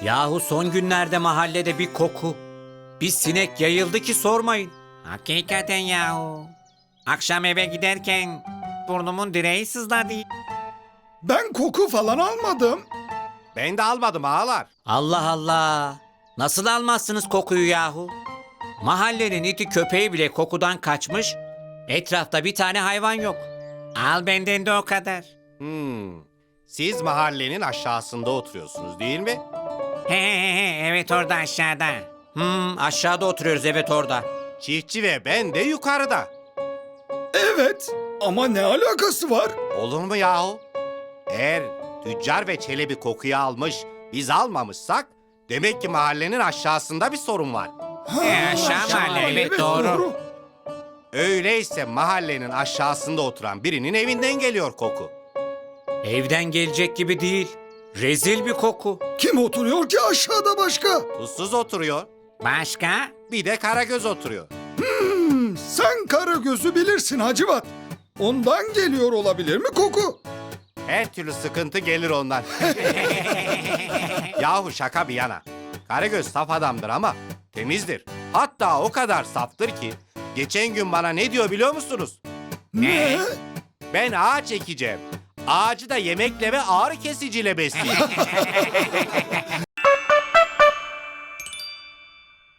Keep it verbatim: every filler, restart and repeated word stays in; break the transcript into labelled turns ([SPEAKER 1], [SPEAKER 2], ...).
[SPEAKER 1] Yahu son günlerde mahallede bir koku, bir sinek yayıldı ki sormayın.
[SPEAKER 2] Hakikaten yahu. Akşam eve giderken burnumun direği sızladı.
[SPEAKER 3] Ben koku falan almadım.
[SPEAKER 4] Ben de almadım ağalar.
[SPEAKER 1] Allah Allah! Nasıl almazsınız kokuyu yahu? Mahallenin iti köpeği bile kokudan kaçmış, etrafta bir tane hayvan yok.
[SPEAKER 2] Al benden de o kadar.
[SPEAKER 4] Hmm. Siz mahallenin aşağısında oturuyorsunuz değil mi?
[SPEAKER 2] He he he he, evet orada aşağıda.
[SPEAKER 1] Hmm, aşağıda oturuyoruz, evet orada.
[SPEAKER 4] Çiftçi ve ben de yukarıda.
[SPEAKER 3] Evet ama ne alakası var?
[SPEAKER 4] Olur mu yahu? Eğer tüccar ve Çelebi kokuyu almış, biz almamışsak demek ki mahallenin aşağısında bir sorun var.
[SPEAKER 2] He, aşağı mahalle, evet, doğru.
[SPEAKER 4] Öyleyse mahallenin aşağısında oturan birinin evinden geliyor koku.
[SPEAKER 1] Evden gelecek gibi değil. Rezil bir koku.
[SPEAKER 3] Kim oturuyor ki aşağıda başka?
[SPEAKER 4] Tuzsuz oturuyor,
[SPEAKER 2] Başka?
[SPEAKER 4] bir de Karagöz oturuyor.
[SPEAKER 3] Hmm, sen Karagöz'ü bilirsin Hacivat. Ondan geliyor olabilir mi koku?
[SPEAKER 4] Her türlü sıkıntı gelir ondan. Yahu şaka bir yana. Karagöz saf adamdır ama temizdir. Hatta o kadar saftır ki geçen gün bana ne diyor biliyor musunuz?
[SPEAKER 3] Ne?
[SPEAKER 4] Ben ağaç ekeceğim. Ağacı da yemekle ve ağrı kesiciyle besleyeceğim.